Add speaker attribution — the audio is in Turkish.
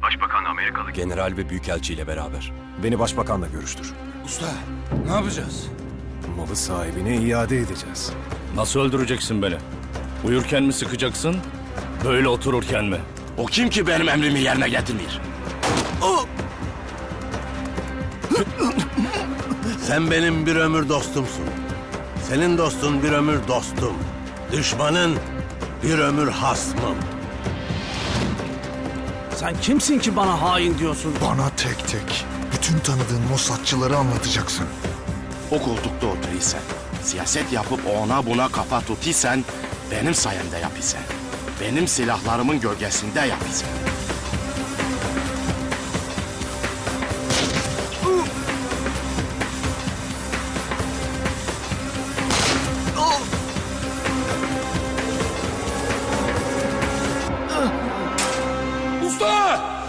Speaker 1: Başbakan Amerikalı general ve büyükelçiyle beraber.
Speaker 2: Beni başbakanla görüştür.
Speaker 3: Usta, ne yapacağız?
Speaker 2: Malı sahibine iade edeceğiz.
Speaker 4: Nasıl öldüreceksin beni? Uyurken mi sıkacaksın, böyle otururken mi?
Speaker 3: O kim ki benim emrimi yerine getirmiyor?
Speaker 5: Sen benim bir ömür dostumsun. Senin dostun bir ömür dostum. Düşmanın bir ömür hasmım.
Speaker 6: Sen kimsin ki bana hain diyorsun?
Speaker 7: Bana tek tek bütün tanıdığın Mossadçıları anlatacaksın.
Speaker 3: O koltukta oturuysan, siyaset yapıp ona buna kafa tutuysan, benim sayemde yapıysan. Benim silahlarımın gölgesinde yapıysan. Usta!